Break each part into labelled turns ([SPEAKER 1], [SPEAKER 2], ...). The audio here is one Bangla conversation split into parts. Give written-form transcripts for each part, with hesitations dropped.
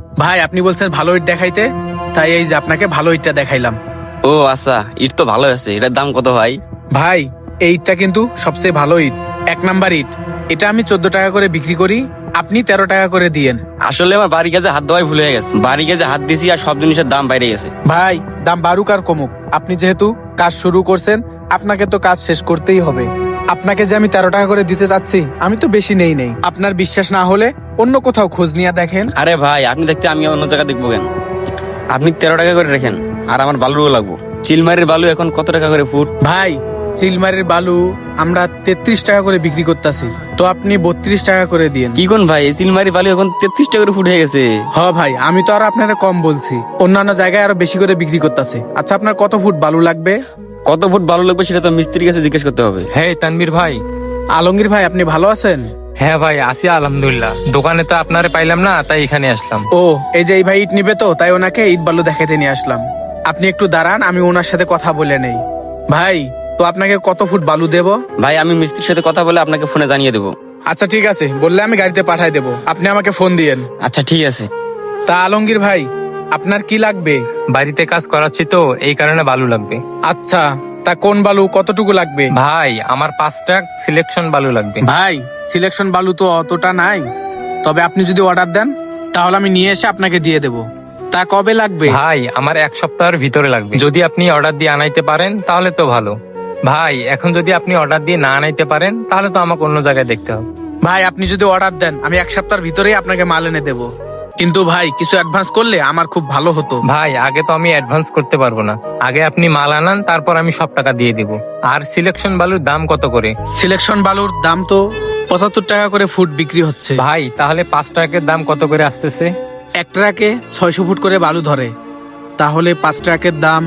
[SPEAKER 1] ভাই আপনি বলছেন ভালো ইট দেখাইতে, তাই এই যে আপনাকে ভালো ইটটা দেখাইলাম।
[SPEAKER 2] ও আচ্ছা, ইট তো ভালো আছে। এটার দাম কত ভাই?
[SPEAKER 1] ভাই এই ইটটা কিন্তু সবচেয়ে ভালো ইট, 1 নাম্বার ইট। এটা আমি 14 টাকা করে বিক্রি করি, আপনি 13 টাকা করে দিয়েন।
[SPEAKER 2] আসলে আমার বাড়ি কাজে হাত দেওয়াই ভুলে গেছে। বাড়ি কাজে হাত দিছি আর সব জিনিসের দাম বাইরে গেছে।
[SPEAKER 1] ভাই দাম বাড়ুক আর কমুক, আপনি যেহেতু কাজ শুরু করছেন আপনাকে তো কাজ শেষ করতেই হবে। আপনাকে যে আমি 13 টাকা করে দিতে চাচ্ছি, আমি তো বেশি নেই। আপনার বিশ্বাস না হলে অন্য কোথাও খোঁজ নিয়ে দেখেন।
[SPEAKER 2] আরে ভাই, আপনি দেখতে আমি অন্য জায়গায় দেখবো কেন? আপনি 13 টাকা করে রেখেন, আর আমার বালুও লাগবো। চিলমারির বালু এখন কত টাকা করে ফুট?
[SPEAKER 1] ভাই চিলমারির বালু আমরা 33 টাকা করে বিক্রি করতেছি, তো আপনি 32 টাকা করে দিয়েন।
[SPEAKER 2] কি কোন ভাই, এই চিলমারি বালু এখন 33 টাকা করে ফুট হয়ে গেছে।
[SPEAKER 1] হ ভাই, আমি তো আর আপনারা কম বলছি, অন্যান্য জায়গায় আরো বেশি করে বিক্রি করতেছে। আচ্ছা আপনার কত ফুট বালু লাগবে?
[SPEAKER 2] কত ফুট বালু লাগবে সেটা তো মিস্ত্রির কাছে জিজ্ঞেস করতে হবে।
[SPEAKER 3] হ্যাঁ তানভীর ভাই।
[SPEAKER 1] আলমগীর ভাই আপনি ভালো আছেন?
[SPEAKER 3] হ্যাঁ ভাই আছি আলহামদুলিল্লাহ। দোকানে তো আপনারে পাইলাম না, তাই এখানে আসলাম।
[SPEAKER 1] ও এই যে এই ভাই ইট নিবে, তো তাই ওনাকে ইট বালু দেখাইতে নিয়ে আসলাম। আপনি একটু দাঁড়ান, আমি ওনার সাথে কথা বলে নেই। ভাই তো আপনাকে কত ফুট বালু দেব?
[SPEAKER 2] ভাই আমি মিস্ত্রির সাথে কথা বলে আপনাকে ফোনে জানিয়ে দেবো।
[SPEAKER 1] আচ্ছা ঠিক আছে, বললে আমি গাড়িতে পাঠাই দেবো, আপনি আমাকে ফোন দিয়েন।
[SPEAKER 2] আচ্ছা ঠিক আছে।
[SPEAKER 1] তা আলমগীর ভাই আপনার কি লাগবে?
[SPEAKER 3] বাড়িতে কাজ করাচ্ছি তো, এই কারণে বালু লাগবে।
[SPEAKER 1] আচ্ছা তা কোন বালু কতটুকু লাগবে?
[SPEAKER 3] ভাই আমার 5 ট্রাক সিলেকশন বালু লাগবে।
[SPEAKER 1] ভাই সিলেকশন বালু তো অতটা নাই, তবে আপনি যদি অর্ডার দেন তাহলে আমি নিয়ে এসে আপনাকে দিয়ে দেব। তা কবে লাগবে?
[SPEAKER 3] ভাই আমার 1 সপ্তাহের ভিতরে লাগবে। যদি আপনি অর্ডার দিয়ে আনাইতে পারেন তাহলে তো ভালো। ভাই এখন যদি আপনি অর্ডার দিয়ে না আনাইতে পারেন তাহলে তো আমাকে অন্য জায়গায় দেখতে হবে।
[SPEAKER 1] ভাই আপনি যদি অর্ডার দেন আমি 1 সপ্তাহের ভিতরেই আপনাকে মাল এনে দেবো, কিন্তু ভাই কিছু অ্যাডভান্স করলে আমার খুব ভালো হতো।
[SPEAKER 3] ভাই আগে তো আমি অ্যাডভান্স করতে পারবো না, আগে আপনি মাল আনান, তারপর আমি সব টাকা দিয়ে দিব। আর সিলেকশন বালুর দাম কত করে?
[SPEAKER 1] সিলেকশন বালুর দাম তো 75 টাকা করে ফুট বিক্রি হচ্ছে।
[SPEAKER 3] ভাই তাহলে 5 ট্রাকের দাম কত করে আসতেছে?
[SPEAKER 1] এক ট্রাকে 600 ফুট করে বালু ধরে, তাহলে 5 ট্রাকের দাম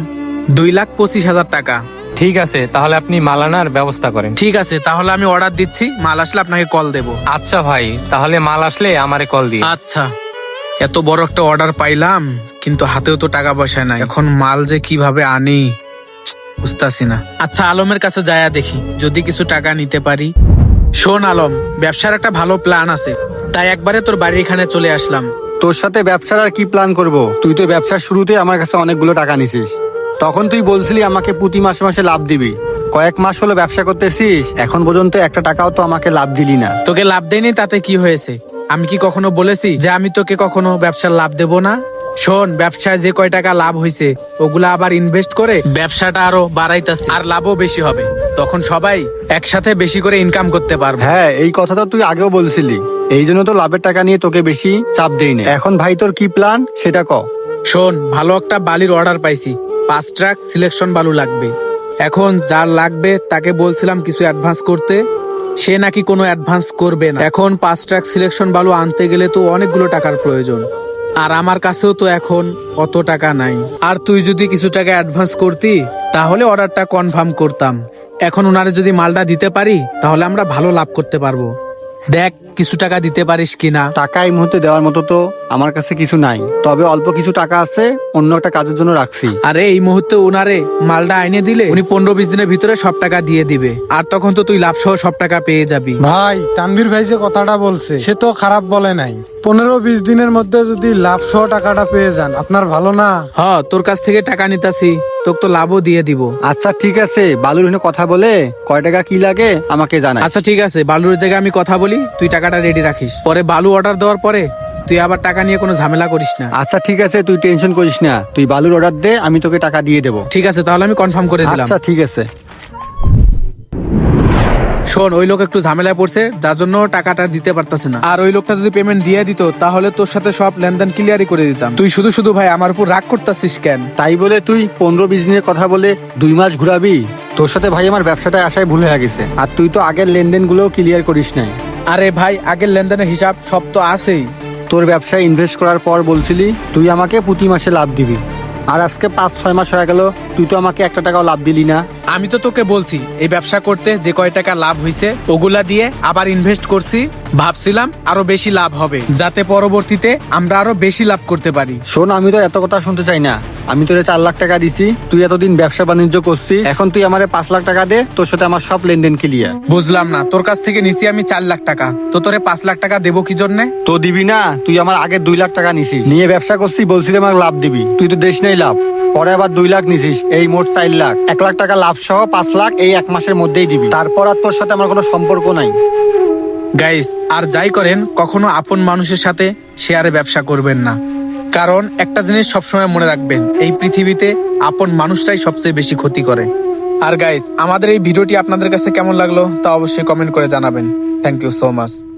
[SPEAKER 1] 2,25,000 টাকা।
[SPEAKER 3] ঠিক আছে, তাহলে আপনি মাল আনার ব্যবস্থা করেন।
[SPEAKER 1] ঠিক আছে, তাহলে আমি অর্ডার দিচ্ছি, মাল আসলে আপনাকে কল দেব।
[SPEAKER 3] আচ্ছা ভাই, তাহলে মাল আসলে আমারে কল দিয়ে।
[SPEAKER 1] আচ্ছা, এত বড় একটা অর্ডার পাইলাম কিন্তু হাতেও তো টাকা পয়সা নাই, এখন মাল যে কিভাবে আনি বুঝতাছি না। আচ্ছা আলমের কাছে যায়া দেখি যদি কিছু টাকা নিতে পারি। শোন আলম, ব্যবসার একটা ভালো প্ল্যান আছে, তাই একবারে তোর বাড়ির এখানে চলে আসলাম।
[SPEAKER 4] তোর সাথে ব্যবসার আর কি প্ল্যান করব? তুই তো ব্যবসার শুরুতে আমার কাছে অনেকগুলো টাকা নিছিস। তখন তুই বলছিলি আমাকে প্রতি মাসে মাসে লাভ দিবি। কয়েক মাস হলো ব্যবসা করতেছিস, এখন পর্যন্ত একটা টাকাও তো আমাকে লাভ দিলি না।
[SPEAKER 1] তোকে লাভ দেয়নি তাতে কি হয়েছে? আমি কি কখনো বলেছি যে আমি তোকে কখনো ব্যবসার লাভ দেব না? শোন, ব্যবসায় যে কয় টাকা লাভ হয়েছে ওগুলা আবার ইনভেস্ট করে ব্যবসাটা আরো বাড়াইতাছি, আর লাভও বেশি হবে, তখন সবাই একসাথে বেশি করে ইনকাম করতে পারবে।
[SPEAKER 4] হ্যাঁ, এই কথাটা তুই আগেও বলছিলি, এই জন্য তো লাভের টাকা নিয়ে তোকে বেশি চাপ দেই না। এখন ভাই তোর কি প্ল্যান সেটা ক।
[SPEAKER 1] শোন, ভালো একটা বালির অর্ডার পাইছি, 5 ট্রাক সিলেকশন বালু লাগবে। এখন যার লাগবে তাকে বলছিলাম কিছু অ্যাডভান্স করতে, সে নাকি কোনো অ্যাডভান্স করবে না। এখন 5 ট্রাক সিলেকশন বালু আনতে গেলে তো অনেকগুলো টাকার প্রয়োজন, আর আমার কাছেও তো এখন অত টাকা নাই। আর তুই যদি কিছু টাকা অ্যাডভান্স করতি তাহলে অর্ডারটা কনফার্ম করতাম। এখন ওনারে যদি মালটা দিতে পারি তাহলে আমরা ভালো লাভ করতে পারবো। দেখ কিছু টাকা দিতে পারিস কিনা।
[SPEAKER 4] টাকা এই মুহূর্তে দেওয়ার মতো তো আমার কাছে কিছু নাই, তবে অল্প কিছু টাকা আছে, অন্য একটা কাজের জন্য রাখছি।
[SPEAKER 1] আরে এই মুহূর্তে ওনারে মালটা আইনে দিলে উনি 15-20 দিনের ভিতরে সব টাকা দিয়ে দিবে, আর তখন তো তুই লাভ সহ সব টাকা পেয়ে যাবি।
[SPEAKER 5] ভাই তানভীর ভাই যে কথাটা বলছে সে তো খারাপ বলে নাই। 15-20 দিনের মধ্যে যদি লাভ সহ টাকাটা পেয়ে যান, আপনার ভালো না?
[SPEAKER 1] হ্যাঁ, তোর কাছ থেকে টাকা নিতাছি, তোকে তো লাভও দিয়ে দিব।
[SPEAKER 4] আচ্ছা ঠিক আছে, বালুর হনে কথা বলে কয় টাকা কি লাগে আমাকে জানাই।
[SPEAKER 1] আচ্ছা ঠিক আছে, বালুর জায়গায় আমি কথা বলি, তুই টাকাটা রেডি রাখিস, পরে বালু অর্ডার দেওয়ার পরে তুই আবার টাকা নিয়ে কোনো ঝামেলা করিস না।
[SPEAKER 4] আচ্ছা ঠিক আছে, তুই টেনশন করিস না, তুই বালুর অর্ডার দে, আমি তোকে টাকা দিয়ে দেবো।
[SPEAKER 1] ঠিক আছে, তাহলে আমি কনফার্ম করে দিলাম।
[SPEAKER 4] আচ্ছা ঠিক আছে।
[SPEAKER 1] শোন, ওই লোক একটু ঝামেলায় পড়ছে যার জন্য টাকাটা দিতে পারতাছে না, আর ওই লোকটা যদি পেমেন্ট দিয়ে দিত তাহলে তোর সাথে সব লেনদেন ক্লিয়ারই করে দিতাম। তুই শুধু শুধু ভাই আমার উপর রাগ করতাছিস কেন?
[SPEAKER 4] তাই বলে তুই 15-20 দিনের কথা বলে 2 মাস ঘুরাবি? তোর সাথে ভাই আমার ব্যবসাটায় আসায় ভুল হয়ে গেছে, আর তুই তো আগের লেনদেন গুলো ক্লিয়ার করিস নাই।
[SPEAKER 1] আরে ভাই, আগের লেনদেনের হিসাব সব তো আছেই।
[SPEAKER 4] তোর ব্যবসায় ইনভেস্ট করার পর বলছিলি তুই আমাকে প্রতি মাসে লাভ দিবি, আর আজকে 5-6 মাস হয়ে গেল, তুই তো আমাকে একটা টাকাও লাভ দিলি না।
[SPEAKER 1] আমি তো তোকে বলছি এই ব্যবসা করতে যে কয় টাকা লাভ হইছে ওগুলা দিয়ে আবার ইনভেস্ট করছি, ভাবছিলাম আরো বেশি লাভ হবে যাতে পরবর্তীতে আমরা আরো বেশি লাভ করতে পারি।
[SPEAKER 4] শোন, আমি তো এত কথা শুনতে চাই না। আমি তোরে 4 লাখ টাকা দিছি, তুই এতদিন ব্যবসা বাণিজ্য করছিস, এখন তুই আমারে 5 লাখ টাকা দে, তোর সাথে আমার সব লেনদেন ক্লিয়ার।
[SPEAKER 1] বুঝলাম না, তোর কাছ থেকে নিছি আমি 4 লাখ টাকা, তো তোরে 5 লাখ টাকা দেবো কি জন্যে?
[SPEAKER 4] তো দিবি না? তুই আমার আগে 2 লাখ টাকা নিছিস, নিয়ে ব্যবসা করছিস, বলছিলি আমাকে লাভ দিবি, তুই তো দেশ নেই লাভ। পরে আবার 2 লাখ নিছিস, এই মোট 4 লাখ। 1 লাখ টাকা লাভ সহ 5 লাখ এই 1 মাসের মধ্যেই দিবি। তারপর আর তোর সাথে আমার কোনো সম্পর্ক নাই।
[SPEAKER 1] গাইস, আর যাই করেন কখনো আপন মানুষের সাথে শেয়ারে ব্যবসা করবেন না, কারণ একটা জিনিস সবসময় মনে রাখবেন, এই পৃথিবীতে আপন মানুষটাই সবচেয়ে বেশি ক্ষতি করে। আর গাইস, আমাদের এই ভিডিওটি আপনাদের কাছে কেমন লাগলো তা অবশ্যই কমেন্ট করে জানাবেন। Thank you so much.